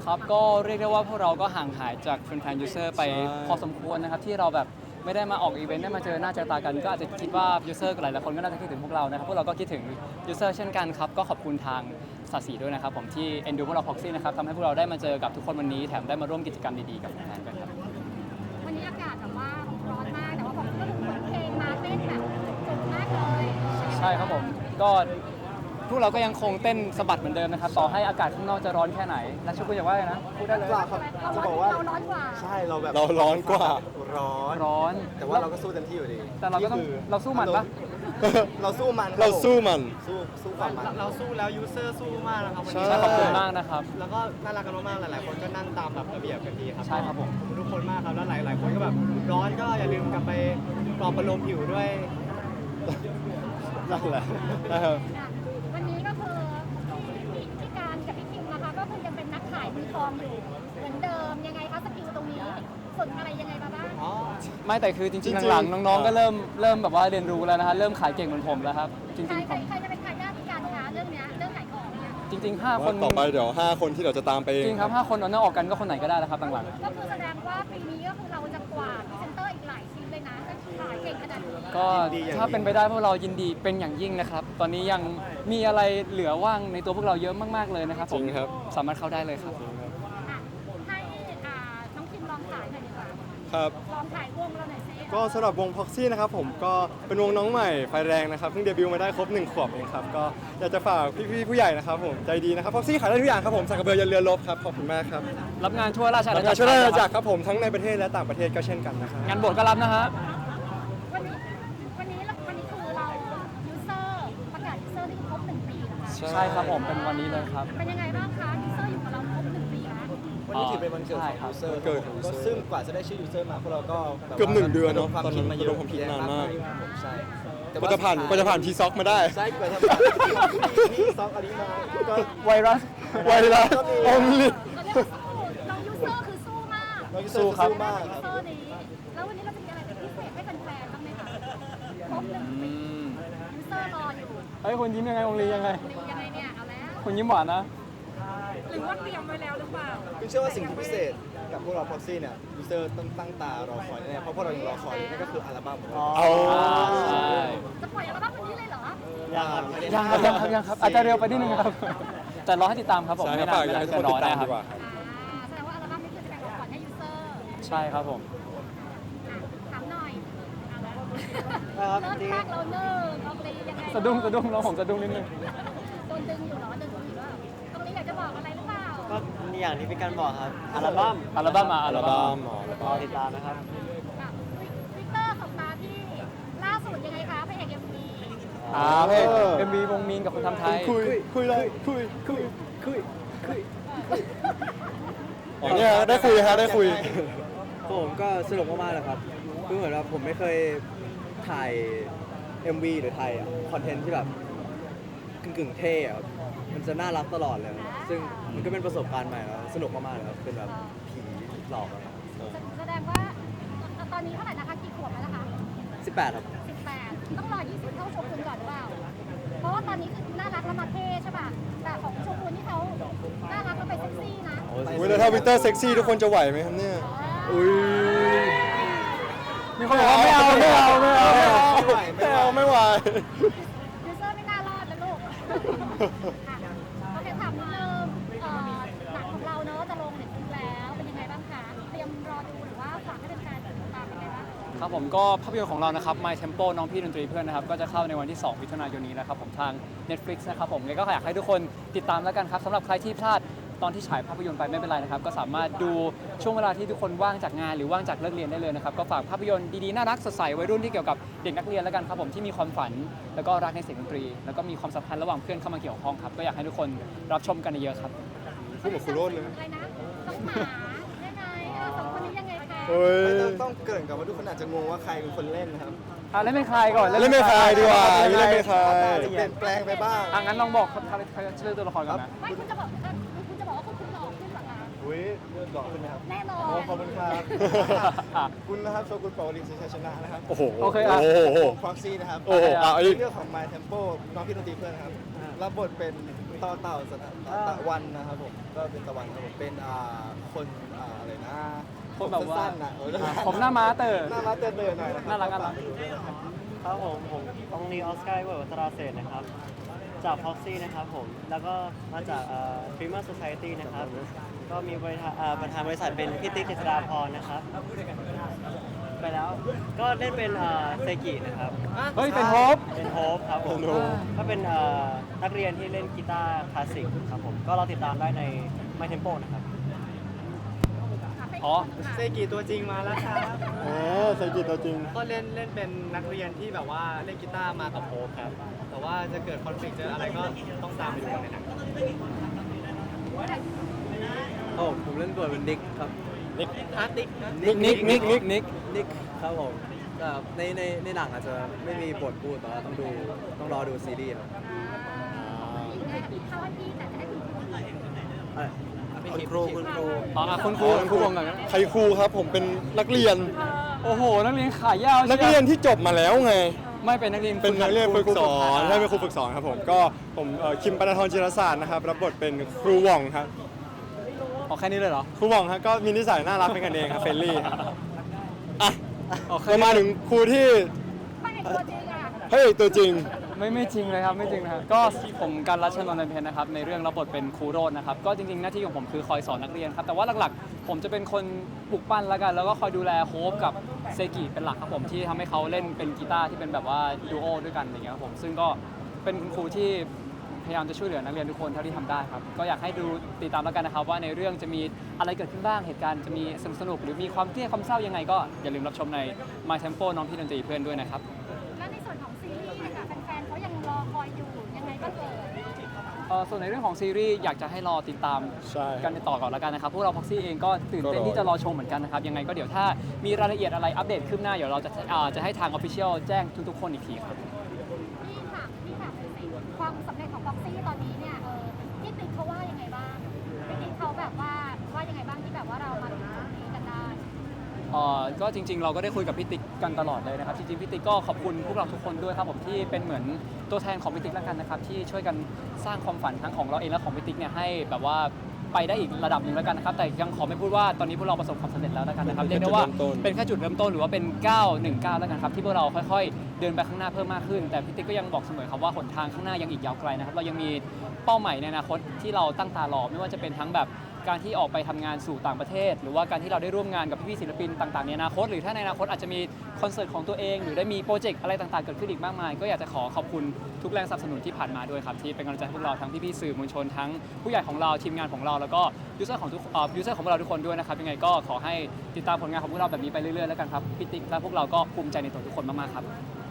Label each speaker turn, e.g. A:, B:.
A: ครับก็เรียกได้ว่าพวกเราก็ห่างหายจากแฟนๆยูเซอร์ไปพอสมควรนะครับที่เราแบบไม่ได้มาออกอีเวนต์ได้มาเจอหน้าเจอตากันก็อาจจะคิดว่ายูเซอร์หลายๆคนก็น่าจะคิดถึงพวกเรานะครับพวกเราก็คิดถึงยูเซอร์เช่นกันครับก็ขอบคุณทางสาสีด้วยนะครับผมที่เอ็นดูพวกเราพ็อกซี่นะครับทำให้พวกเราได้มาเจอกับทุกคนวันนี้แถมได้มาร่วมกิจกรรมดีๆกับแฟนๆด้วยครับ
B: วันนี้อากาศแบบว่าร้อนมากแต่ว่าผมก็เหมือนเพลงมาเต้นแบบจุกมากเลย
A: ใช่ครับผมก็พวกเราก็ยังคงเต้นสะบัดเหมือนเดิมนะครับต่อให้อากาศข้างนอกจะร้อนแค่ไหนและชุกุอยากว่าไงนะพูดได้เลย
C: กว่าครับ
B: เรา
C: จะ
B: ร้อน
C: บอกว่า
B: เราร้อนกว่า
C: ใช่เราแบบ
D: เราร้อนกว่า
C: ร้อน
A: ร้อน
C: แต่ว่าเราก็สู้เต็มที่อยู่ดี
A: แต่เราก็ต้อง
C: นี่คือ
A: เราสู้มันปะ
C: เราสู้มัน
D: เราสู้มัน
C: สู้ความมัน
E: เราสู้แล้วยูเซอร์สู้มากนะครับวัน
D: ใช่
E: นี้
A: ใช่ขอบคุณมากนะครับ
E: แล้วก็น่ารักกันมากๆหลายๆคนก็นั่งตามแบบระเบียบกันดีครับ
A: ใช่ครับผม
E: ขอบคุณทุกคนมากครับแล้วหลายๆคนก็แบบร้อนก็อย่าลืมกลับไปปลอบประโลมผิวด้วย
D: นั่นแหละนะครับ
B: วันนี้ก็คือพี่การกับพี่คิมนะคะก็คือยังเป็นนักขายมือทองอยู่เหมือนเดิมยังไงคะสกิลตรงนี้ฝึกอะไรยังไงมาบ้าง
E: อ๋อ
A: ไม่แต่คือจริงๆหลังๆน้องๆก็เริ่มแบบว่าเรียนรู้แล้วนะฮะเริ่มขายเก่งเหมือนผมแล้วครับจริง
B: ใคร
A: ๆ
B: ใครใครจะเป็นใครได้พี่การคะเรื่องเนี้ยเรื่องขายของเนี่ย
A: จริงๆ5 คน
D: ต่อไปเดี๋ยว 5 คนที่เราจะตามไป
A: จริงครับ5 คนเอาหน้าออกกันก็คนไหนก็ได้แล้วครับหลัง
B: ก็คือแสดงว่าปีนี้ก็คือเราจะกวาดพรีเซนเตอร์อีกหลายชิ้นเลยนะถ้าขายเก่งขนาดนี้
A: ๆก็ถ้าเป็นไปได้พวกเรายินดีเป็นอย่างยิ่งนะครับ ตอนนี้ยังมีอะไรเหลือว่างในตัวพวกเราเยอะมากๆเลยนะครับผม
D: จริงครับ
A: สามารถเข้าได้เลยครับ
B: อ่ะให้น้องคิมลองขายหน่อยดีกว่า
D: ครับ
B: ลองขายวงเราหน่อยสิ
D: ก็สำหรับวง Proxy นะครับผมก็เป็นวงน้องใหม่ไฟแรงนะครับเพิ่งเดบิวต์มาได้ครบ1 ขวบเองครับก็อยากจะฝากพี่ๆผู้ใหญ่นะครับผมใจดีนะครับ Proxy ขายได้ทุกอย่างครับผมสักกระเบือยันเรือรบครับขอบคุณมากครับ
A: รับงานทั่วราชอา
D: แล้
A: ณาว จั
D: ก็
A: กร
D: ช่วยราชอาณาจักรครับผมทั้งในประเทศและต่างประเทศก็เช่นกันนะครับ
A: งานบวชก็รับนะฮะ
B: วันนี้คือเรายูเซอร์ประกาศยูเซอร์ที่ครบ1 ปีนะคะ
A: ใช่ครับผมเป็นวันนี้เลยครับ
B: เป็นยังไงบ้างคะยูเซอร์อยู่กับเราครบ1 ปีแล้ว
C: วันนี้ถือเป็นวันเกิดของยูเซอร์
D: เกิดของ
C: ก็
D: user
C: ซึ่งกว่าจะได้ชื่อยูเซอร์มาพวกเราก็แบบ
D: เกือบ1 เดือนเนอะ
C: ความ
D: ตอนนั้น
C: คิดมาเย
D: ระด
C: อะ
D: มความคิดนานมาก
C: ผมใช่
D: กว่าจะผ่านทีซ็อกมาได้
C: ใช่กว่าจะผ่านที่ซอกอันนี้มาก็
A: ไวรัส
D: ไวรัส only
B: เราเรียกว่าสู้น้องยูเซอร์คือสู้มาก
C: น้องยูเซอร์สู้มาก
B: ยู
C: ครับ
B: เซอร์นี้แล้ววันนี้เราจะมีอะไรเป็นพิเศษให้แฟนๆบ้างไหมคะครบ1 ปียูเซอร์รออยู่
A: เฮ้ยคุณยิ้มยังไงองลียังไง
B: ยังไงเนี่ยเอาแล้ว
A: คุณยิ้มหวานนะ
B: หรือว่าเตรียมไว้แล้วหรือเปล่า
C: คือเชื่อว่าสิ่งที่พิเศษกับพวกเรา Proxy เนี่ยยูเซอร์ต้องตั้งตารอคอยแน่ๆเพราะพวกเรายังรอคอยนั่นก็คืออัลบั้มของเรา
D: เอา
A: ใช่
B: จะปล่อยอัลบั้มวันนี้เลยเหรอ
A: ยังครับอาจจะเร็วไปนิดนึงครับแต่รอให้ติดตามครับผม
D: ใช่
A: ไม่
D: ครับ
A: นาน
D: ฝากอยาก
A: ไม่นา
D: ให้
A: น
D: ทุก
A: จะ
D: คน
A: ร
D: ติ
A: อ
D: ดตาม
A: นะครับ
D: ดีกว่าครับ
B: แสดงว่าอัลบั้มนี้คือจะเป็นของขวัญให้ยูเซอร์
A: ใช่ครับผม
B: ถามหน่อย
E: ครับ
B: เริ่ม
E: จริง
B: แรกเราเนิ่งเราเลยยังไง
A: สะดุ้งแล้วผมสะดุ้งนิดนึง
B: โดนดึงอยู่เหรอดึงอยู่ว่าตรงนี้อยากจะบอกอะไรหรือเปล่า
E: ก็อย่างที่พี่กันบอกครับอัลบั้ม
A: อัลบั้มมาอั
D: อั
A: ล
D: ล
A: บั้
D: บั้
A: ม
D: มอ๋ออัล
E: ร
D: บั้
E: อ
D: ม
E: ติดตามนะครับ
B: ทวิตเตอร์ของตาที่ล่าสุดยังไงคะพระเอกเอ็มวี
A: เพ่เอ็มวีวงมีนกับคนทำไทย
D: คุยเลยคุยอ๋อเนี่ยได้คุยฮะได้คุย
F: ผมก็สนุกมากๆเลยครับคือเหมือนว่าผมไม่เคยถ่าย MV หรือถ่ายคอนเทนต์ที่แบบกึ่งๆเท่อะครับมันจะน่ารักตลอดเลย ซึ่งมันก็เป็นประสบการณ์ใหม่แล้วสนุกมากๆเลยครับ เป็นแบบผีหลอกอะไร
B: แสดงว่าตอนนี้เท่าไหร่นะคะกี่ขวบแล้วนะคะ
F: 18 ครับ
B: 18ต้องรอ20เท่าโชกุนก่อนหรือเปล่าเพราะว่าตอนนี้คือน่ารักแล้วมาเท่ใช่ป่ะแต่ของโชกุนที่เขาน่ารักแล้วไปเซ็กซี่นะ
D: อุ้ยแล้วถ้าวิกเตอร์เซ็กซี่ทุกคนจะไหวไหมครับเนี่ย อุ้ย
A: มีคนบอกว่าไม่เอา
D: ไม่ไหว
B: ยูเซอร์ไม่น่ารอดนะลูกโอเคถามนิดนึงหนังของเราเนอะจะลงเน็ตฟลิกแล้วเป็นยังไงบ้างคะเตรียมรอดูหรือว่าฝากให้แฟนๆติดตามเป็นไงบ้าง
A: ครับผมก็ภาพยนตร์ของเรานะครับ My Tempo น้องพี่ดนตรีเพื่อนนะครับก็จะเข้าในวันที่ 2 มิถุนายนนี้นะครับผมทาง Netflix นะครับผมเลยก็อยากให้ทุกคนติดตามแล้วกันครับสำหรับใครที่พลาดตอนที่ฉายภาพยนตร์ไปไม่เป็นไรนะครับก็สามารถดูช่วงเวลาที่ทุกคนว่างจากงานหรือว่างจากเลิกเรียนได้เลยนะครับก็ฝากภาพยนตร์ดีๆน่ารักสดใสวัยรุ่นที่เกี่ยวกับเด็กนักเรียนแล้วกันครับผมที่มีความฝันแล้วก็รักในเสียงดนตรีแล้วก็มีความสัมพันธ์ระหว่างเพื่อนเข้ามาเกี่ยวข้องครับก็อยากให้ทุกคนรับชมกันเยอะๆครับ
D: พูดเหมือนครูโรจน์เลย
B: อะไรนะน้องหมายังไงสองคนนี้ยังไงคะ
D: เฮ้ย
C: ไม่ต้องเกริ่นกับว่าทุกคนอาจจะงงว่าใครเป็นคนเล่นนะครับ
A: เล่นเป็นใครก่อน
D: เล่นเป็นใครดีกว่าเล่นเป็นใคร
C: จะเปลี่ยนแปลงไปบ้าง
A: งั้นลองบอกชื่อตัวละครก่อนนะ
B: ไม่คุณจะบอกว่าคุณหลอกขึ้นเหรอคะ
C: อุ้ยหล่อขึ้นไหมครับ
B: แน่นอ
C: โอ้
B: น
C: ขอบคุณครับคุณนะครับโชกุนปาวลินชัยชนะนะครับ
D: โอ้โห
A: โอเคอ่ะ
D: โอ้โห
C: ฟ็อกซี่นะครับ
D: โอ้โหอ่ะอีก
C: เรื่องของ My Tempo น้องพี่ดนตรีเพื่อนครับรับบทเป็นต่อเต่าตะวันนะครับผมก็เป็นตะวันครับผมเป็นคนอะไรนะ
A: คนแบบว่า
C: สั้นๆนะเออ
A: ผมหน้าม้าเตอร์
C: หน้าม้าเตือนๆหน่อยนะครับ
A: น่ารักน่ารัก
G: ครับผมองนีออสการ์เวิร์ดวัตราเศรษฐ์นะครับ จากพ็อกซี่นะครับผม แล้วก็มาจากฟรีมาร์โซไซตี้นะครับ ก็มีประธานบริษัทเป็นพี่ติ๊กเจษฎาพรนะครับ ไปแล้ว ก็เล่นเป็นเซกินะครับ
A: เฮ้ย เป็นโฮป
G: เป็นโฮปครับผม ก็เป็นนักเรียนที่เล่นกีตาร์คลาสสิกครับผม ก็เราติดตามได้ใน My Tempo นะครับ
A: อ๋อ
E: เซกิตัวจริงมาแล้วครับ
D: ใส่กิจตัวจริง
E: ก็เล่นเป็นนักเรียนที่แบบว่าเล่นกีตาร์มากับโฮปครับ แต่ว่าจะเกิดคอนฟ lict เจออะไรก็ต้องตามไปดูกันในหนัง
F: โอ้ผมเล่นบทเป็นนิกครับ
E: อาร์ติก
A: นิก
F: นิกครับผมแต่ในหนังอาจจะไม่มีบทพูดแต่ว่าต้องรอดูซีรีส์ครับ
B: เข้าวันที่แต่จะได้ถึง
F: คุณครู
A: อ๋อคุณครูวงกันนะ
D: ใครครูครับผมเป็นนักเรียน
A: โอ้โห นักเรียนขายาว
D: นักเรียนที่จบมาแล้วไง
A: ไม่เป็นนักเรียน
D: เป็นนักเรียนฝึกสอน
A: ครู
D: ใช่เป็นครูฝึกสอนครับผมก็ผมคิมปนทรจิรศาสตร์นะครับรับบทเป็นครูหว่องครับ
A: อ๋อแค่นี้เลยเหรอ
D: ครูหว่องครับก็มีนิสัยน่ารักเป็นกันเองครับเฟรนลี่ครับอ่ะ
A: โอเค
D: เรามาถึงครูที่
B: ไม่เห็นตัวจริงอ่ะ
D: พระเอกตัวจริง
A: ไม่จริงเลยครับไม่จริงนะครับก็ผมการรัชนนท์เพนนะครับในเรื่องรับบทเป็นครูโรจน์นะครับก็จริงๆหน้าที่ของผมคือคอยสอนนักเรียนครับแต่ว่าหลักๆ ผมจะเป็นคนปลุกปั้นแล้วกันแล้วก็คอยดูแลโฮปกับเซกิเป็นหลักครับผมที่ทำให้เขาเล่นเป็นกีตาร์ที่เป็นแบบว่าดูโอด้วยกันอย่างเงี้ยครับผมซึ่งก็เป็นคุณครูที่พยายามจะช่วยเหลือนักเรียนทุกคนเท่าที่ทำได้ครับก็อยากให้ดูติดตามแล้วกันนะครับว่าในเรื่องจะมีอะไรเกิดขึ้นบ้างเหตุการณ์จะมีสนุกหรือมีความเครียดความเศร้ายังไงก็อย่าลืมรับชมใน My Tempo น้องพี่ดนตรีเพื่อนด้วยนะครับ
B: แล้วในส่วนของซีรีส์ค่ะแฟนๆเขายังรอคอยอยู่ยังไงก็เกิด
A: ส่วนในเรื่องของซีรีส์อยากจะให้รอติดตาม
D: ใช่
A: กันต่อก่อนแล้วกันนะครับพวกเราพ็อกซี่เองก็ตื่นเต้นที่จะรอชมเหมือนกันนะครับยังไงก็เดี๋ยวถ้ามีรายละเอียดอะไรอัปเดตขึ้นหน้าเดี๋ยวเราจะให้ทาง Official แจ้งทุกๆคนอีกทีครับ
B: พี่ถามเลยสิความสำเร็จของบ็อกซี่ตอนนี้เนี่ยพี่ติ๊กเขาว่ายังไงบ้างพี่ติ๊กเขาแบบว่ายังไงบ้างที่แบบว่าเรามาถึงตรงนี้กันได้
A: ก็จริงๆ เราก็ได้คุยกับพี่ติ๊กกันตลอดเลยนะครับจริงๆพี่ติ๊กก็ขอบคุณพวกเราทุกคนด้วยครับผมที่เป็นเหมือนตัวแทนของพี่ติ๊กแล้วกันนะครับที่ช่วยกันสร้างความฝันทั้งของเราเองและของพี่ติ๊กเนี่ยให้แบบว่าไปได้อีกระดับหนึ่งแล้วกันนะครับแต่ยังขอไม่พูดว่าตอนนี้พวกเราประสบความสำเร็จแล้วแล้วกันนะครับเรียกได้ว่าเป็นแค่จุดเริ่มต้นหรือว่าเป็น919แล้วกันครับที่พวกเราค่อยๆ เดินไปข้างหน้าเพิ่มมากขึ้นแต่พี่ติ๊กก็ยังบอกเสมอครับว่าหนทางข้างหน้ายังอีกยาวไกลนะครับเรายังมีเป้าหมายในอนาคตที่เราตั้งตารอไม่ว่าจะเป็นทั้งแบบการที่ออกไปทำงานสู่ต่างประเทศ หรือว่าการที่เราได้ร่วมงานกับพี่ๆศิลปินต่างๆในอนาคตหรือถ้าในอนาคตอาจจะมีคอนเสิร์ตของตัวเองหรือได้มีโปรเจกต์อะไรต่างๆเกิดขึ้นอีกมากมายก็อยากจะขอบคุณทุกแรงสนับสนุนที่ผ่านมาด้วยครับที่เป็นกำลังใจให้พวกเราทั้งพี่ๆสื่อมวลชนทั้งผู้ใหญ่ของเราทีมงานของเราแล้วก็ยูเซอร์ของพวกเราทุกคนด้วยนะครับยังไงก็ขอให้ติดตามผลงานของพวกเราแบบนี้ไปเรื่อยๆแล้วกันครับพี่ติ๊กและพวกเราก็ภูมิใจในตัวทุกคนมากๆครับ